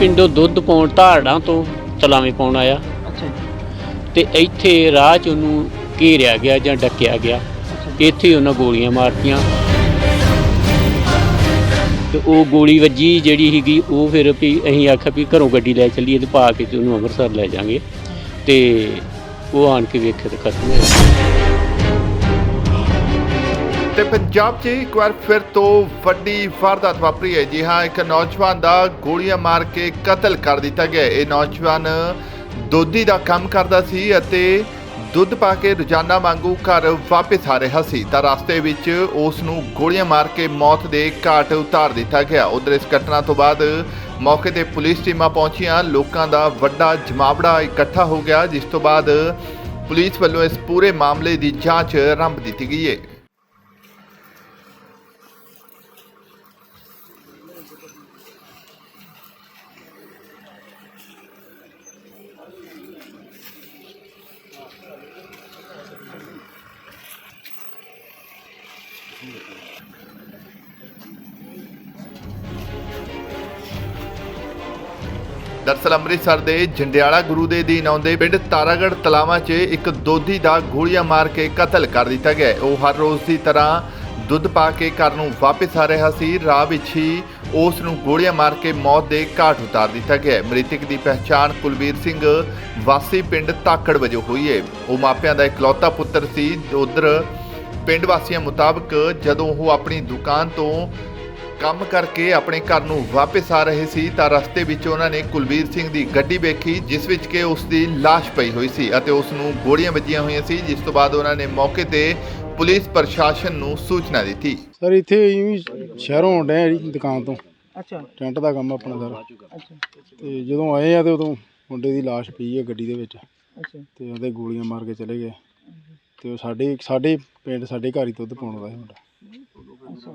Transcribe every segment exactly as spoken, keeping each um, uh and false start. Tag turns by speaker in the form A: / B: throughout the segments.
A: ਪਿੰਡੋਂ ਦੁੱਧ ਪਾਉਣ ਧਾਰੜਾਂ ਤੋਂ ਤਲਾਵੇਂ ਪਾਉਣ ਆਇਆ
B: ਅੱਛਾ ਜੀ।
A: ਤੇ ਇੱਥੇ ਰਾਹ 'ਚ ਉਹਨੂੰ ਘੇਰਿਆ ਗਿਆ ਜਾਂ ਡੱਕਿਆ ਗਿਆ। ਇੱਥੇ ਹੀ ਉਹਨਾਂ ਗੋਲੀਆਂ ਮਾਰਤੀਆਂ ਤੇ ਉਹ ਗੋਲੀ ਵੱਜੀ ਜਿਹੜੀ ਸੀਗੀ ਉਹ ਫਿਰ ਵੀ ਅਸੀਂ ਆਖਿਆ ਵੀ ਘਰੋਂ ਗੱਡੀ ਲੈ ਚੱਲੀਏ ਤੇ ਪਾ ਕੇ ਤੇ ਉਹਨੂੰ ਅੰਮ੍ਰਿਤਸਰ ਲੈ ਜਾਵਾਂਗੇ ਤੇ ਉਹ ਆਣ ਕੇ ਵੇਖੇ ਤੇ ਖਤਮ ਹੋਇਆ।
C: ਤੇ ਪੰਜਾਬ 'ਚ ਇੱਕ ਵਾਰ ਫਿਰ ਤੋਂ ਵੱਡੀ ਵਾਰਦਾਤ ਵਾਪਰੀ ਹੈ। ਜੀ ਹਾਂ, ਇੱਕ ਨੌਜਵਾਨ ਦਾ ਗੋਲੀਆਂ ਮਾਰ ਕੇ ਕਤਲ ਕਰ ਦਿੱਤਾ ਗਿਆ। ਇਹ ਨੌਜਵਾਨ ਦੋਧੀ ਦਾ ਕੰਮ ਕਰਦਾ ਸੀ ਅਤੇ ਦੁੱਧ ਪਾ ਕੇ ਰੋਜ਼ਾਨਾ ਵਾਂਗੂ ਘਰ ਵਾਪਸ ਆ ਰਿਹਾ ਸੀ ਤਾਂ ਰਸਤੇ ਵਿੱਚ ਉਸ ਨੂੰ ਗੋਲੀਆਂ ਮਾਰ ਕੇ ਮੌਤ ਦੇ ਘਾਟ ਉਤਾਰ ਦਿੱਤਾ ਗਿਆ। ਉਧਰ ਇਸ ਘਟਨਾ ਤੋਂ ਬਾਅਦ ਮੌਕੇ ਤੇ ਪੁਲਿਸ ਟੀਮਾਂ ਪਹੁੰਚੀਆਂ, ਲੋਕਾਂ ਦਾ ਵੱਡਾ ਜਮਾਵੜਾ ਇਕੱਠਾ ਹੋ ਗਿਆ, ਜਿਸ ਤੋਂ ਬਾਅਦ ਪੁਲਿਸ ਵੱਲੋਂ ਇਸ ਪੂਰੇ ਮਾਮਲੇ ਦੀ ਜਾਂਚ ਆਰੰਭ ਦਿੱਤੀ ਗਈ ਹੈ। ਦਰਅਸਲ ਅੰਮ੍ਰਿਤਸਰ ਦੇ ਜੰਡਿਆਲਾ ਗੁਰੂ ਦੇ ਅਧੀਨ ਆਉਂਦੇ ਪਿੰਡ ਤਾਰਾਗੜ੍ਹ ਤਲਾਵਾਂ 'ਚ ਇੱਕ ਦੋਧੀ ਦਾ ਗੋਲੀਆਂ ਮਾਰ ਕੇ ਕਤਲ ਕਰ ਦਿੱਤਾ ਗਿਆ। ਉਹ ਹਰ ਰੋਜ਼ ਦੀ ਤਰ੍ਹਾਂ ਦੁੱਧ ਪਾ ਕੇ ਘਰ ਨੂੰ ਵਾਪਸ ਆ ਰਿਹਾ ਸੀ। ਰਾਹ ਵਿੱਚ ਹੀ ਉਸ ਨੂੰ ਗੋਲੀਆਂ ਮਾਰ ਕੇ ਮੌਤ ਦੇ ਘਾਟ ਉਤਾਰ ਦਿੱਤਾ ਗਿਆ। ਮ੍ਰਿਤਕ ਦੀ ਪਹਿਚਾਣ ਕੁਲਵੀਰ ਸਿੰਘ ਵਾਸੀ ਪਿੰਡ ਤਾਕੜ ਵਜੋਂ ਹੋਈ ਹੈ। ਉਹ ਮਾਪਿਆਂ ਦਾ ਇਕਲੌਤਾ ਪੁੱਤਰ ਸੀ। ਉਧਰ ਪਿੰਡ ਵਾਸੀਆਂ ਮੁਤਾਬਕ ਜਦੋਂ ਉਹ ਆਪਣੀ ਦੁਕਾਨ ਤੋਂ ਕੰਮ ਕਰਕੇ ਆਪਣੇ ਘਰ ਨੂੰ ਵਾਪਸ ਆ ਰਹੇ ਸੀ ਤਾਂ ਰਸਤੇ ਵਿੱਚ ਉਹਨਾਂ ਨੇ ਕੁਲਵੀਰ ਸਿੰਘ ਦੀ ਗੱਡੀ ਵੇਖੀ, ਜਿਸ ਵਿੱਚ ਕਿ ਉਸ ਦੀ ਲਾਸ਼ ਪਈ ਹੋਈ ਸੀ ਅਤੇ ਉਸ ਨੂੰ ਗੋਲੀਆਂ ਵੱਜੀਆਂ ਹੋਈਆਂ ਸੀ, ਜਿਸ ਤੋਂ ਬਾਅਦ ਉਹਨਾਂ ਨੇ ਮੌਕੇ ਤੇ ਪੁਲਿਸ ਪ੍ਰਸ਼ਾਸਨ ਨੂੰ ਸੂਚਨਾ ਦਿੱਤੀ।
D: ਸਰ ਇੱਥੇ ਇਵੇਂ ਸ਼ਹਿਰੋਂ ਆਉਂਦੇ ਆ ਜੀ ਦੁਕਾਨ ਤੋਂ।
B: ਅੱਛਾ।
D: ਟੈਂਟ ਦਾ ਕੰਮ ਆਪਣਾ ਸਾਰਾ।
B: ਅੱਛਾ।
D: ਤੇ ਜਦੋਂ ਆਏ ਆ ਤੇ ਉਦੋਂ ਮੁੰਡੇ ਦੀ ਲਾਸ਼ ਪਈ ਹੈ ਗੱਡੀ ਦੇ ਵਿੱਚ।
B: ਅੱਛਾ। ਤੇ
D: ਉਹਦੇ ਗੋਲੀਆਂ ਮਾਰ ਕੇ ਚਲੇ ਗਏ ਤੇ ਉਹ ਸਾਡੇ ਸਾਡੇ ਪਿੰਡ ਸਾਡੇ ਘਰ ਹੀ ਦੁੱਧ ਪਾਉਣ ਦਾ ਸੀ ਮੁੰਡਾ।
B: ਅੱਛਾ।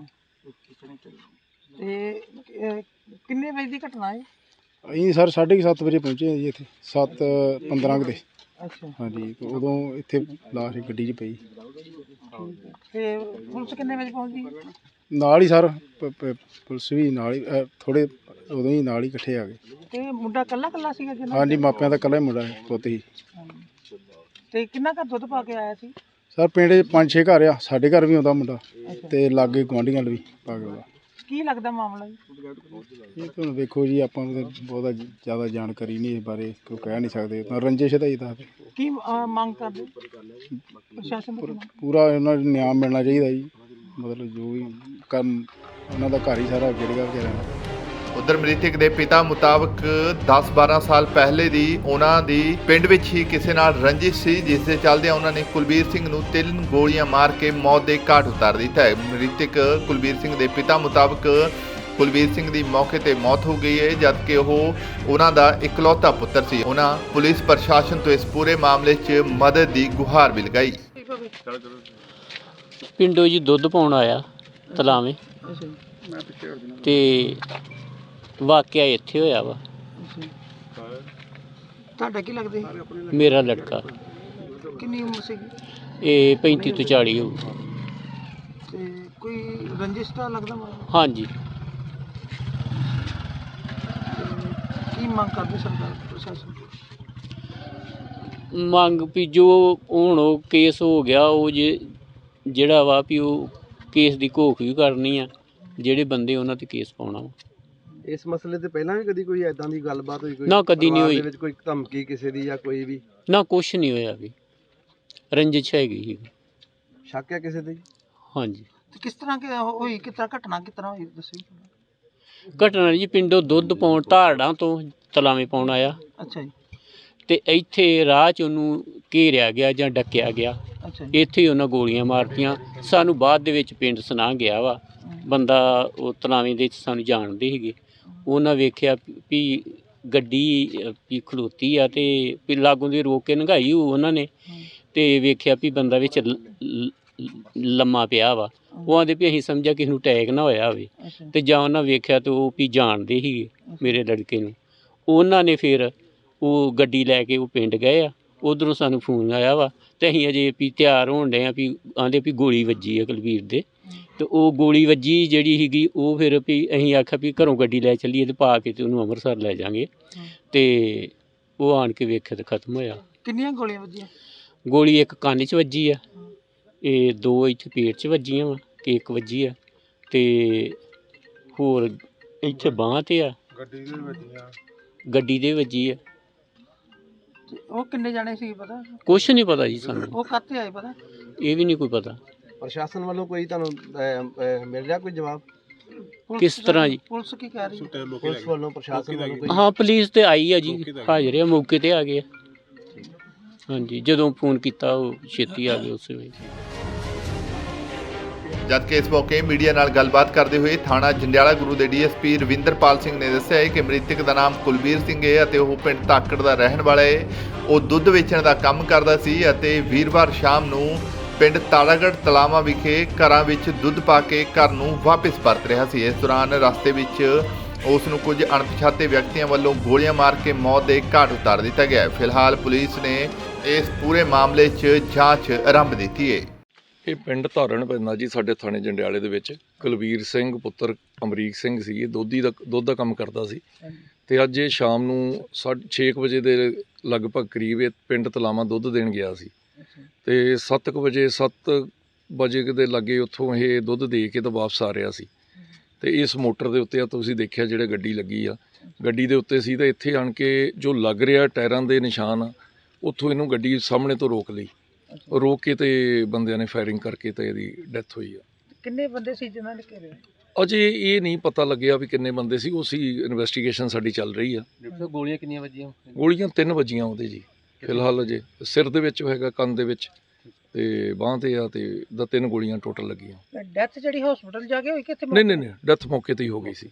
B: ਤੇ ਕਿੰਨੇ ਵਜੇ ਦੀ ਘਟਨਾ ਹੈ?
D: ਅਸੀਂ ਸਰ ਸਾਢੇ ਕੁ ਸੱਤ ਵਜੇ ਪਹੁੰਚੇ ਜੀ ਇੱਥੇ, ਸੱਤ ਪੰਦਰਾਂ ਕੁ ਦੇ।
B: ਅੱਛਾ।
D: ਹਾਂਜੀ, ਤੇ ਉਦੋਂ ਇੱਥੇ ਲਾਸ਼ ਗੱਡੀ 'ਚ ਪਈ।
B: ਤੇ ਪੁਲਿਸ ਕਿੰਨੇ ਵਜੇ ਪਹੁੰਚੀ?
D: ਨਾਲ ਹੀ ਸਰ ਪੁਲਿਸ ਵੀ ਨਾਲ ਹੀ, ਥੋੜ੍ਹੇ ਉਦੋਂ ਹੀ ਨਾਲ ਹੀ ਇਕੱਠੇ ਆ ਗਏ।
B: ਤੇ ਮੁੰਡਾ ਇਕੱਲਾ ਇਕੱਲਾ ਸੀਗਾ ਜੀ?
D: ਹਾਂਜੀ, ਮਾਪਿਆਂ ਦਾ ਇਕੱਲਾ ਹੀ ਮੁੰਡਾ ਪੁੱਤ ਹੀ।
B: ਤੇ ਕਿੰਨਾ ਘਰ ਦੁੱਧ ਪਾ ਕੇ ਆਇਆ ਸੀ?
D: ਸਰ ਪਿੰਡ 'ਚ ਪੰਜ ਛੇ ਘਰ ਆ, ਸਾਡੇ ਘਰ ਵੀ ਆਉਂਦਾ ਮੁੰਡਾ ਤੇ ਲਾਗੇ ਗੁਆਂਢੀਆਂ ਨਾਲ ਵੀ ਪਾ ਕੇ ਆਉਂਦਾ।
B: ਕੀ ਲੱਗਦਾ ਮਾਮਲਾ ਜੀ?
D: ਇਹ ਤਾਂ ਵੇਖੋ ਜੀ, ਆਪਾਂ ਨੂੰ ਤਾਂ ਬਹੁਤਾ ਜ਼ਿਆਦਾ ਜਾਣਕਾਰੀ ਨਹੀਂ ਇਸ ਬਾਰੇ, ਕੋਈ ਕਹਿ ਨਹੀਂ ਸਕਦੇ। ਤਾਂ ਰੰਜਿਸ਼ ਦਾ ਹੀ ਦੱਸਦੇ।
B: ਕੀ ਮੰਗ ਕਰਦੇ ਪ੍ਰਸ਼ਾਸਨ ਤੋਂ?
D: ਪੂਰਾ ਉਹਨਾਂ ਨੂੰ ਨਿਆਂ ਮਿਲਣਾ ਚਾਹੀਦਾ ਜੀ, ਮਤਲਬ ਜੋ ਵੀ ਕੰਮ ਉਹਨਾਂ ਦਾ ਘਰ ਹੀ ਸਾਰਾ ਗਿਰ ਗਿਆ ਵਿਚਾਰਿਆਂ ਦਾ।
C: ਉਧਰ ਮ੍ਰਿਤਕ ਦੇ ਪਿਤਾ ਮੁਤਾਬਕ ਦਸ ਬਾਰਾਂ ਸਾਲ ਪਹਿਲੇ ਦੀ ਉਹਨਾਂ ਦੀ ਪਿੰਡ ਵਿੱਚ ਹੀ ਕਿਸੇ ਨਾਲ ਰੰਜਿਸ਼ ਸੀ, ਜਿਸ ਦੇ ਚੱਲਦਿਆਂ ਉਹਨਾਂ ਨੇ ਕੁਲਵੀਰ ਸਿੰਘ ਨੂੰ ਤਿੰਨ ਗੋਲੀਆਂ ਮਾਰ ਕੇ ਮੌਤ ਦੇ ਘਾਟ ਉਤਾਰ ਦਿੱਤਾ ਹੈ। ਮ੍ਰਿਤਕ ਕੁਲਵੀਰ ਸਿੰਘ ਦੇ ਪਿਤਾ ਮੁਤਾਬਕ ਕੁਲਵੀਰ ਸਿੰਘ ਦੀ ਮੌਕੇ ਤੇ ਮੌਤ ਹੋ ਗਈ ਹੈ, ਜਦਕਿ ਉਹ ਉਹਨਾਂ ਦਾ ਇਕਲੌਤਾ ਪੁੱਤਰ ਸੀ। ਉਹਨਾਂ ਪੁਲਿਸ ਪ੍ਰਸ਼ਾਸਨ ਤੋਂ ਇਸ ਪੂਰੇ ਮਾਮਲੇ 'ਚ ਮਦਦ ਦੀ ਗੁਹਾਰ ਵੀ ਲਗਾਈ।
A: ਪਿੰਡੋਂ ਜੀ ਦੁੱਧ ਪਾਉਣ ਆਇਆ ਤਲਾਵੇਂ ਤੇ ਵਾਕਿਆ ਇੱਥੇ ਹੋਇਆ ਵਾ।
B: ਤੁਹਾਡਾ ਕੀ ਲੱਗਦਾ?
A: ਮੇਰਾ ਲੜਕਾ।
B: ਕਿੰਨੀ ਉਮਰ ਸੀ?
A: ਇਹ ਪੈਂਤੀ ਤੋਂ ਚਾਲੀ ਹੋਊ।
B: ਤੇ ਕੋਈ ਰੰਜਿਸ਼ ਤਾਂ ਲੱਗਦਾ ਮਾਮਲਾ?
A: ਹਾਂਜੀ।
B: ਕੀ ਮੰਗ ਕਰਦੇ ਸਰਕਾਰ ਪ੍ਰਸ਼ਾਸਨ?
A: ਮੰਗ ਵੀ ਜੋ ਹੁਣ ਉਹ ਕੇਸ ਹੋ ਗਿਆ, ਉਹ ਜੇ ਜਿਹੜਾ ਵਾ ਵੀ ਉਹ ਕੇਸ ਦੀ ਘੋਖ ਵੀ ਕਰਨੀ ਆ, ਜਿਹੜੇ ਬੰਦੇ ਉਹਨਾਂ 'ਤੇ ਕੇਸ ਪਾਉਣਾ ਵਾ।
E: ਇਸ ਮਸਲੇ ਤੇ ਪਹਿਲਾਂ ਵੀ ਕਦੀ ਕੋਈ ਐਦਾਂ ਦੀ ਗੱਲਬਾਤ ਹੋਈ? ਕੋਈ
A: ਨਾ, ਕਦੀ ਨਹੀਂ ਹੋਈ।
E: ਵਿੱਚ ਕੋਈ ਧਮਕੀ ਕਿਸੇ ਦੀ ਜਾਂ ਕੋਈ ਵੀ?
A: ਨਾ, ਕੁਛ ਨਹੀਂ ਹੋਇਆ ਵੀ। ਰੰਜਿਸ਼ ਹੈਗੀ ਸੀ।
E: ਸ਼ੱਕ ਹੈ ਕਿਸੇ ਦੀ?
A: ਹਾਂਜੀ।
B: ਤੇ ਕਿਸ ਤਰ੍ਹਾਂ ਕਿ ਹੋਈ, ਕਿਸ ਤਰ੍ਹਾਂ ਘਟਨਾ ਕਿਸ ਤਰ੍ਹਾਂ ਹੋਈ ਦੱਸੋ?
A: ਘਟਨਾ ਜੀ ਪਿੰਡੋਂ ਦੁੱਧ ਪਾਉਣ ਧਾਰੜਾਂ ਤੋਂ ਤਲਾਵੇਂ ਪਾਉਣ ਆਇਆ।
B: ਅੱਛਾ ਜੀ।
A: ਤੇ ਇੱਥੇ ਰਾਹ 'ਚ ਉਹਨੂੰ ਘੇਰਿਆ ਗਿਆ ਜਾਂ ਡੱਕਿਆ ਗਿਆ।
B: ਅੱਛਾ।
A: ਇੱਥੇ ਹੀ ਉਹਨਾਂ ਗੋਲੀਆਂ ਮਾਰਤੀਆਂ। ਸਾਨੂੰ ਬਾਅਦ ਦੇ ਵਿੱਚ ਪਿੰਡ ਸੁਣਾ ਗਿਆ ਵਾ ਬੰਦਾ, ਉਹ ਤਲਾਵੇਂ ਦੇ ਸਾਨੂੰ ਜਾਣਦੇ ਸੀਗੇ। ਉਹਨਾਂ ਵੇਖਿਆ ਵੀ ਗੱਡੀ ਵੀ ਖਲੋਤੀ ਆ ਤੇ ਵੀ ਲਾਗੋਂ ਦੀ ਰੋਕ ਕੇ ਲੰਘਾਈ ਉਹਨਾਂ ਨੇ, ਤੇ ਵੇਖਿਆ ਵੀ ਬੰਦਾ ਵਿੱਚ ਲੰਮਾ ਪਿਆ ਵਾ। ਉਹ ਆਂਦੇ ਵੀ ਅਸੀਂ ਸਮਝਿਆ ਕਿਸੇ ਨੂੰ ਅਟੈਕ ਨਾ ਹੋਇਆ ਹੋਵੇ, ਤੇ ਜਾਂ ਉਹਨਾਂ ਵੇਖਿਆ ਤੇ ਉਹ ਵੀ ਜਾਣਦੇ ਸੀਗੇ ਮੇਰੇ ਲੜਕੇ ਨੂੰ। ਉਹਨਾਂ ਨੇ ਫਿਰ ਉਹ ਗੱਡੀ ਲੈ ਕੇ ਉਹ ਪਿੰਡ ਗਏ ਆ। ਉਧਰੋਂ ਸਾਨੂੰ ਫੋਨ ਆਇਆ ਵਾ ਤੇ ਅਸੀਂ ਅਜੇ ਵੀ ਤਿਆਰ ਹੋਣ ਡਏ ਆ ਵੀ ਆਂਦੇ ਵੀ ਗੋਲੀ ਵੱਜੀ ਆ ਕੁਲਵੀਰ ਦੇ। ਤੇ ਉਹ ਗੋਲੀ ਵੱਜੀ ਜਿਹੜੀ ਸੀਗੀ ਉਹ ਫਿਰ ਵੀ ਅਸੀਂ ਆਖਿਆ ਵੀ ਘਰੋਂ ਗੱਡੀ ਲੈ ਚੱਲੀਏ ਤੇ ਪਾ ਕੇ ਤੇ ਉਹਨੂੰ ਅੰਮ੍ਰਿਤਸਰ ਲੈ ਜਾਵਾਂਗੇ। ਤੇ ਉਹ ਆਣ ਕੇ ਵੇਖਿਆ ਤੇ ਖਤਮ ਹੋਇਆ।
B: ਕਿੰਨੀਆਂ ਗੋਲੀਆਂ ਵੱਜੀਆਂ?
A: ਗੋਲੀ ਇੱਕ ਕੰਨ 'ਚ ਵੱਜੀ ਆ, ਇਹ ਦੋ ਇੱਥੇ ਪੇਟ 'ਚ ਵੱਜੀਆਂ ਵਾ ਕਿ ਇੱਕ ਵੱਜੀ ਆ, ਤੇ ਹੋਰ ਇੱਥੇ ਬਾਂਹ 'ਤੇ ਆ। ਗੱਡੀ ਦੇ ਵੱਜੀਆਂ? ਗੱਡੀ ਦੇ ਵੱਜੀ ਆ।
B: ਤੇ ਉਹ ਕਿੰਨੇ ਜਾਣੇ ਸੀ ਪਤਾ?
A: ਕੁਛ ਨਹੀਂ ਪਤਾ ਜੀ ਸਾਨੂੰ,
B: ਉਹ ਕਾਹਤੇ ਆਏ ਪਤਾ?
A: ਇਹ ਵੀ ਨਹੀਂ ਕੋਈ ਪਤਾ।
E: ਪ੍ਰਸ਼ਾਸਨ ਵੱਲੋਂ ਕੋਈ ਤੁਹਾਨੂੰ ਅਹ, ਅਹ, ਮਿਲ ਰਿਹਾ ਕੋਈ ਜਵਾਬ?
B: ਪੁਲਿਸ
A: ਕਿਸ ਤਰ੍ਹਾਂ ਜੀ?
B: ਪੁਲਿਸ ਕੀ ਕਹਿ ਰਹੀ ਹੈ?
E: ਪੁਲਿਸ ਵੱਲੋਂ ਪ੍ਰਸ਼ਾਸਨ ਵੱਲੋਂ ਕੋਈ?
A: ਹਾਂ ਪੁਲਿਸ ਤੇ ਆਈ ਆ ਜੀ, ਹਾਜ਼ਰ ਆ, ਮੌਕੇ ਤੇ ਆ ਗਏ ਆ। ਹਾਂਜੀ, ਜਦੋਂ ਫੋਨ ਕੀਤਾ ਉਹ ਛੇਤੀ ਆ ਗਏ ਉਸੇ ਵੇਲੇ।
C: ਜਦਕਿ ਇਸ ਮੌਕੇ ਮੀਡੀਆ ਨਾਲ ਗੱਲਬਾਤ ਕਰਦੇ ਹੋਏ ਥਾਣਾ ਜੰਡਿਆਲਾ ਗੁਰੂ ਦੇ D S P Ravinderpal Singh ਨੇ ਦੱਸਿਆ ਹੈ ਕਿ ਮ੍ਰਿਤਕ ਦਾ ਨਾਮ ਕੁਲਬੀਰ ਸਿੰਘ ਹੈ ਅਤੇ ਉਹ ਪਿੰਡ ਧਾਕੜ ਦਾ ਰਹਿਣ ਵਾਲਾ ਹੈ। ਉਹ ਦੁੱਧ ਵੇਚਣ ਦਾ ਕੰਮ ਕਰਦਾ ਸੀ ਅਤੇ ਵੀਰਵਾਰ ਸ਼ਾਮ ਨੂੰ ਪਿੰਡ ਤਾਰਾਗੜ੍ਹ ਤਲਾਵਾਂ ਵਿਖੇ ਘਰਾਂ ਵਿੱਚ ਦੁੱਧ ਪਾ ਕੇ ਘਰ ਨੂੰ ਵਾਪਸ ਪਰਤ ਰਿਹਾ ਸੀ। ਇਸ ਦੌਰਾਨ ਰਸਤੇ ਵਿੱਚ ਉਸ ਨੂੰ ਕੁਝ ਅਣਪਛਾਤੇ ਵਿਅਕਤੀਆਂ ਵੱਲੋਂ ਗੋਲੀਆਂ ਮਾਰ ਕੇ ਮੌਤ ਦੇ ਘਾਟ ਉਤਾਰ ਦਿੱਤਾ ਗਿਆ ਹੈ। ਫਿਲਹਾਲ ਪੁਲਿਸ ਨੇ ਇਸ ਪੂਰੇ ਮਾਮਲੇ 'ਚ ਜਾਂਚ ਆਰੰਭ ਦਿੱਤੀ ਹੈ।
F: ਇਹ ਪਿੰਡ ਧਾਰਨ ਪੈਂਦਾ ਜੀ ਸਾਡੇ ਥਾਣੇ ਜੰਡਿਆਲੇ ਦੇ ਵਿੱਚ। ਕੁਲਵੀਰ ਸਿੰਘ ਪੁੱਤਰ ਅਮਰੀਕ ਸਿੰਘ ਸੀ, ਇਹ ਦੋਧੀ ਦਾ ਦੁੱਧ ਦਾ ਕੰਮ ਕਰਦਾ ਸੀ। ਤੇ ਅੱਜ ਇਹ ਸ਼ਾਮ ਨੂੰ ਸਾਢੇ ਛੇ ਕੁ ਵਜੇ ਦੇ ਲਗਭਗ ਕਰੀਬ ਇਹ ਪਿੰਡ ਤਲਾਵਾਂ ਦੁੱਧ ਦੇਣ ਗਿਆ ਸੀ। ਤੇ ਸੱਤ ਕੁ ਵਜੇ ਸੱਤ ਵਜੇ ਦੇ ਲਾਗੇ ਉੱਥੋਂ ਇਹ ਦੁੱਧ ਦੇ ਕੇ ਤਾਂ ਵਾਪਸ ਆ ਰਿਹਾ ਸੀ। ਤੇ ਇਸ ਮੋਟਰ ਦੇ ਉੱਤੇ ਆ ਤੁਸੀਂ ਦੇਖਿਆ ਜਿਹੜੇ ਗੱਡੀ ਲੱਗੀ ਆ, ਗੱਡੀ ਦੇ ਉੱਤੇ ਸੀ। ਤਾਂ ਇੱਥੇ ਆਣ ਕੇ ਜੋ ਲੱਗ ਰਿਹਾ ਟਾਇਰਾਂ ਦੇ ਨਿਸ਼ਾਨ ਆ, ਉੱਥੋਂ ਇਹਨੂੰ ਗੱਡੀ ਸਾਹਮਣੇ ਤੋਂ ਰੋਕ ਲਈ। ਰੋਕ ਕੇ ਤੇ ਬੰਦਿਆਂ ਨੇ ਫਾਇਰਿੰਗ ਕਰਕੇ ਤੇ ਇਹਦੀ ਡੈਥ ਹੋਈ ਆ।
B: ਕਿੰਨੇ ਬੰਦੇ ਸੀ ਜਿਨ੍ਹਾਂ ਨੇ ਘੇਰਿਆ?
F: ਅਜੇ ਇਹ ਨਹੀਂ ਪਤਾ ਲੱਗਿਆ ਵੀ ਕਿੰਨੇ ਬੰਦੇ ਸੀ, ਉਹ ਸੀ ਇਨਵੈਸਟੀਗੇਸ਼ਨ ਸਾਡੀ ਚੱਲ ਰਹੀ ਆ।
E: ਗੋਲੀਆਂ ਕਿੰਨੀਆਂ ਵੱਜੀਆਂ?
F: ਗੋਲੀਆਂ ਤਿੰਨ ਵੱਜੀਆਂ ਉਹਦੇ ਜੀ। ਫਿਲਹਾਲ ਅਜੇ ਸਿਰ ਦੇ ਵਿੱਚ ਹੈਗਾ, ਕੰਨ ਦੇ ਵਿੱਚ ਤੇ ਬਾਂਹ ਤੇ ਆ, ਤੇ ਦਾ ਤਿੰਨ ਗੋਲੀਆਂ ਟੋਟਲ ਲੱਗੀਆਂ।
B: ਡੈਥ ਜਿਹੜੀ ਹਸਪੀਟਲ ਜਾ ਕੇ ਹੋਈ ਕਿ ਇੱਥੇ?
F: ਨਹੀਂ ਨਹੀਂ ਨਹੀਂ, ਡੈਥ ਮੌਕੇ ਤੇ ਹੀ ਹੋ ਗਈ ਸੀ।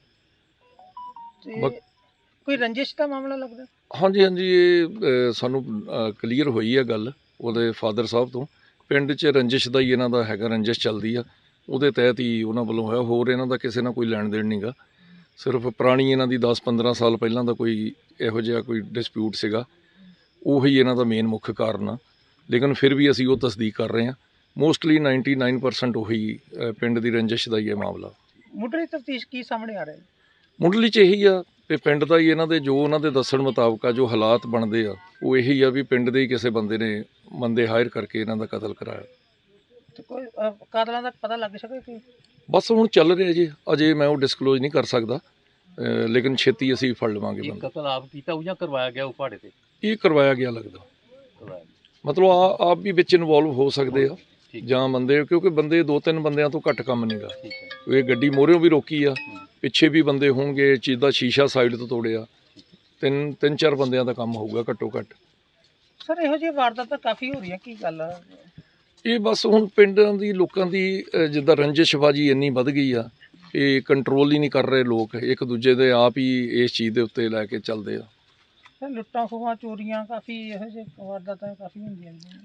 B: ਤੇ ਕੋਈ ਰੰਜਿਸ਼ ਦਾ ਮਾਮਲਾ ਲੱਗਦਾ?
F: ਹਾਂਜੀ ਹਾਂਜੀ, ਇਹ ਅ, ਸਾਨੂੰ ਕਲੀਅਰ ਹੋਈ ਹੈ ਗੱਲ ਉਹਦੇ ਫਾਦਰ ਸਾਹਿਬ ਤੋਂ। ਪਿੰਡ 'ਚ ਰੰਜਿਸ਼ ਦਾ ਹੀ ਇਹਨਾਂ ਦਾ ਹੈਗਾ, ਰੰਜਿਸ਼ ਚੱਲਦੀ ਆ, ਉਹਦੇ ਤਹਿਤ ਹੀ ਉਹਨਾਂ ਵੱਲੋਂ ਹੋਇਆ। ਹੋਰ ਇਹਨਾਂ ਦਾ ਕਿਸੇ ਨਾਲ ਕੋਈ ਲੈਣ ਦੇਣ ਨਹੀਂ ਗਾ, ਸਿਰਫ ਪੁਰਾਣੀ ਇਹਨਾਂ ਦੀ ਦਸ ਪੰਦਰਾਂ ਸਾਲ ਪਹਿਲਾਂ ਦਾ ਕੋਈ ਇਹੋ ਜਿਹਾ ਕੋਈ ਡਿਸਪਿਊਟ ਸੀਗਾ, ਉਹੀ ਇਹਨਾਂ ਦਾ ਮੇਨ ਮੁੱਖ ਕਾਰਨ ਆ। ਲੇਕਿਨ ਫਿਰ ਵੀ ਅਸੀਂ ਉਹ ਤਸਦੀਕ ਕਰ ਰਹੇ ਹਾਂ। ਮੋਸਟਲੀ ਨਾਈਨਟੀ ਨਾਈਨ ਪਰਸੈਂਟ ਉਹੀ ਅ, ਪਿੰਡ ਦੀ ਰੰਜਿਸ਼ ਦਾ ਹੀ ਇਹ ਮਾਮਲਾ।
B: ਮੁੱਢਲੀ ਤਫਤੀਸ਼ ਕੀ ਸਾਹਮਣੇ ਆ ਰਿਹਾ?
F: ਮੁੱਢਲੀ 'ਚ ਇਹੀ ਆ ਵੀ ਪਿੰਡ ਦਾ ਹੀ ਇਹਨਾਂ ਦੇ ਜੋ ਉਹਨਾਂ ਦੇ ਦੱਸਣ ਮੁਤਾਬਕ ਆ, ਜੋ ਹਾਲਾਤ ਬਣਦੇ ਆ ਉਹ ਇਹੀ ਆ ਵੀ ਪਿੰਡ ਦੇ ਹੀ ਕਿਸੇ ਬੰਦੇ ਨੇ ਬੰਦੇ ਹਾਇਰ ਕਰਕੇ ਇਹਨਾਂ ਦਾ ਕਤਲ ਕਰਾਇਆ।
B: ਤੇ ਕੋਈ ਅਹ, ਕਾਤਲਾਂ ਦਾ ਪਤਾ ਲੱਗ ਸਕੇ ਕਿ?
F: ਬਸ ਹੁਣ ਚੱਲ ਰਿਹਾ ਜੀ, ਅਜੇ ਮੈਂ ਉਹ ਡਿਸਕਲੋਜ਼ ਨਹੀਂ ਕਰ ਸਕਦਾ, ਅ, ਲੇਕਿਨ ਛੇਤੀ ਅਸੀਂ ਫੜ ਲਵਾਂਗੇ ਬੰਦਾ।
E: ਕਤਲ ਆਪ ਕੀਤਾ ਉਹ ਜਾਂ ਕਰਵਾਇਆ ਗਿਆ ਉਹ ਪਹਾੜੇ ਤੇ?
F: ਇਹ ਕਰਵਾਇਆ ਗਿਆ ਲੱਗਦਾ, ਮਤਲਬ ਆ ਆਪ ਵੀ ਵਿੱਚ ਇਨਵੋਲਵ ਹੋ ਸਕਦੇ ਆ ਜਾਂ ਬੰਦੇ, ਕਿਉਂਕਿ ਬੰਦੇ ਦੋ ਤਿੰਨ ਬੰਦਿਆਂ ਤੋਂ ਘੱਟ ਕੰਮ ਨਹੀਂਗਾ। ਇਹ ਗੱਡੀ ਮੋਹਰਿਓਂ ਵੀ ਰੋਕੀ ਆ, ਪਿੱਛੇ ਵੀ ਬੰਦੇ ਹੋਣਗੇ, ਚੀਜ਼ ਦਾ ਸ਼ੀਸ਼ਾ ਸਾਈਡ ਤੋਂ ਤੋੜਿਆ, ਤਿੰਨ ਤਿੰਨ ਚਾਰ ਬੰਦਿਆਂ ਦਾ ਕੰਮ ਹੋਊਗਾ ਘੱਟੋ ਘੱਟ।
B: ਸਰ ਇਹੋ ਜਿਹੀ ਵਾਰਦਾਤਾਂ ਕਾਫੀ ਹੋ ਰਹੀਆਂ, ਕੀ ਗੱਲ ਆ?
F: ਇਹ ਬਸ ਹੁਣ ਪਿੰਡਾਂ ਦੀ ਲੋਕਾਂ ਦੀ ਅ, ਜਿੱਦਾਂ ਰੰਜਿਸ਼ਬਾਜੀ ਇੰਨੀ ਵੱਧ ਗਈ ਆ, ਇਹ ਕੰਟਰੋਲ ਹੀ ਨਹੀਂ ਕਰ ਰਹੇ ਲੋਕ, ਇੱਕ ਦੂਜੇ ਦੇ ਆਪ ਹੀ ਇਸ ਚੀਜ਼ ਦੇ ਉੱਤੇ ਲੈ ਕੇ ਚੱਲਦੇ ਆ।
B: ਸਰ ਲੁੱਟਾਂ ਖੋਹਾਂ ਚੋਰੀਆਂ ਕਾਫੀ ਇਹੋ ਜਿਹੇ ਵਾਰਦਾਤਾਂ ਕਾਫੀ ਹੁੰਦੀਆਂ ਨੇ।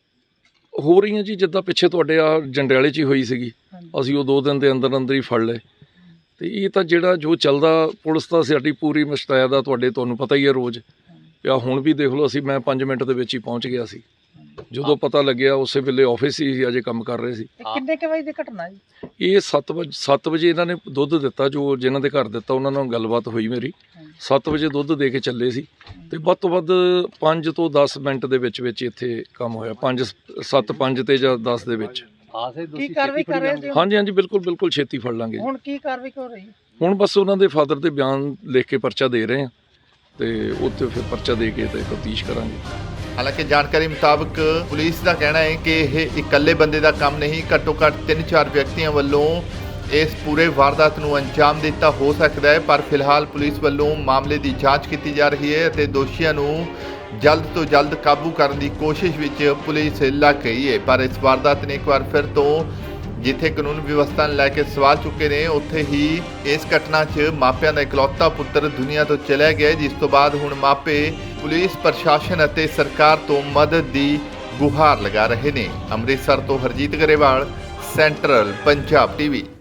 F: ਹੋ ਰਹੀਆਂ ਜੀ, ਜਿੱਦਾਂ ਪਿੱਛੇ ਤੁਹਾਡੇ ਆ ਜੰਡਿਆਲੇ 'ਚ ਹੀ ਹੋਈ ਸੀਗੀ, ਅਸੀਂ ਉਹ ਦੋ ਦਿਨ ਦੇ ਅੰਦਰ ਅੰਦਰ ਹੀ ਫੜ ਲਏ। ਤੇ ਇਹ ਤਾਂ ਜਿਹੜਾ ਜੋ ਚੱਲਦਾ, ਪੁਲਿਸ ਤਾਂ ਸਾਡੀ ਪੂਰੀ ਮੁਸ਼ਤੈਦ ਆ, ਤੁਹਾਡੇ ਤੁਹਾਨੂੰ ਪਤਾ ਹੀ ਹੈ ਰੋਜ਼ ਆ। ਹੁਣ ਵੀ ਦੇਖ ਲਓ, ਅਸੀਂ ਮੈਂ ਪੰਜ ਮਿੰਟ ਦੇ ਵਿੱਚ ਹੀ ਪਹੁੰਚ ਗਿਆ ਸੀ, ਜਦੋਂ ਪਤਾ ਲੱਗਿਆ ਉਸੇ ਵੇਲੇ ਆਫਿਸ ਹੀ ਅਜੇ ਕੰਮ ਕਰ ਰਹੇ ਸੀ।
B: ਕਿੰਨੇ ਕੁ ਵਜੇ ਦੀ ਘਟਨਾ ਜੀ?
F: ਇਹ ਸੱਤ ਵਜੇ ਸੱਤ ਵਜੇ ਇਹਨਾਂ ਨੇ ਦੁੱਧ ਦਿੱਤਾ, ਜੋ ਜਿਨ੍ਹਾਂ ਦੇ ਘਰ ਦਿੱਤਾ ਉਹਨਾਂ ਨਾਲ ਗੱਲਬਾਤ ਹੋਈ ਮੇਰੀ। ਸੱਤ ਵਜੇ ਦੁੱਧ ਦੇ ਕੇ ਚੱਲੇ ਸੀ ਤੇ ਵੱਧ ਤੋਂ ਵੱਧ ਪੰਜ ਤੋਂ ਦਸ ਮਿੰਟ ਦੇ ਵਿੱਚ ਵਿੱਚ ਇੱਥੇ ਕੰਮ ਹੋਇਆ, ਪੰਜ ਸੱਤ ਪੰਜ ਤੇ ਜਾਂ ਦਸ ਦੇ ਵਿੱਚ।
B: ਕੀ ਕਾਰਵਾਈ ਕਰ ਰਹੇ ਜੀ?
F: ਹਾਂਜੀ ਹਾਂਜੀ, ਬਿਲਕੁਲ ਬਿਲਕੁਲ ਛੇਤੀ ਫੜ ਲਾਂਗੇ।
B: ਹੁਣ ਕੀ ਕਾਰਵਾਈ ਹੋ ਰਹੀ?
F: ਹੁਣ ਬਸ ਉਹਨਾਂ ਦੇ ਫਾਦਰ ਦੇ ਬਿਆਨ ਲਿਖ ਕੇ ਪਰਚਾ ਦੇ ਰਹੇ ਆ ਤੇ ਉੱਥੇ ਫਿਰ ਪਰਚਾ ਦੇ ਕੇ ਤੇ ਤਫਤੀਸ਼ ਕਰਾਂਗੇ।
C: ਹਾਲਾਂਕਿ ਜਾਣਕਾਰੀ ਮੁਤਾਬਕ ਪੁਲਿਸ ਦਾ ਕਹਿਣਾ ਹੈ ਕਿ ਇਹ ਇਕੱਲੇ ਬੰਦੇ ਦਾ ਕੰਮ ਨਹੀਂ, ਘੱਟੋ ਘੱਟ ਤਿੰਨ ਚਾਰ ਵਿਅਕਤੀਆਂ ਵੱਲੋਂ ਇਸ ਪੂਰੇ ਵਾਰਦਾਤ ਨੂੰ ਅੰਜਾਮ ਦਿੱਤਾ ਹੋ ਸਕਦਾ ਹੈ। ਪਰ ਫਿਲਹਾਲ ਪੁਲਿਸ ਵੱਲੋਂ ਮਾਮਲੇ ਦੀ ਜਾਂਚ ਕੀਤੀ ਜਾ ਰਹੀ ਹੈ ਅਤੇ ਦੋਸ਼ੀਆਂ ਨੂੰ ਜਲਦ ਤੋਂ ਜਲਦ ਕਾਬੂ ਕਰਨ ਦੀ ਕੋਸ਼ਿਸ਼ ਵਿੱਚ ਪੁਲਿਸ ਲੱਗ ਗਈ ਹੈ। ਪਰ ਇਸ ਵਾਰਦਾਤ ਨੇ ਇੱਕ ਵਾਰ ਫਿਰ ਤੋਂ ਜਿੱਥੇ ਕਾਨੂੰਨ ਵਿਵਸਥਾ ਨੂੰ ਲੈ ਕੇ ਸਵਾਲ ਚੁੱਕੇ ਨੇ, ਉੱਥੇ ਹੀ ਇਸ ਘਟਨਾ 'ਚ ਮਾਪਿਆਂ ਦਾ ਇਕਲੌਤਾ ਪੁੱਤਰ ਦੁਨੀਆ ਤੋਂ ਚਲਿਆ ਗਿਆ, ਜਿਸ ਤੋਂ ਬਾਅਦ ਹੁਣ ਮਾਪੇ ਪੁਲਿਸ ਪ੍ਰਸ਼ਾਸਨ ਅਤੇ ਸਰਕਾਰ ਤੋਂ ਮਦਦ ਦੀ ਗੁਹਾਰ ਲਗਾ ਰਹੇ ਨੇ। ਅੰਮ੍ਰਿਤਸਰ ਤੋਂ ਹਰਜੀਤ ਗਰੇਵਾਲ, ਸੈਂਟਰਲ ਪੰਜਾਬ ਟੀਵੀ।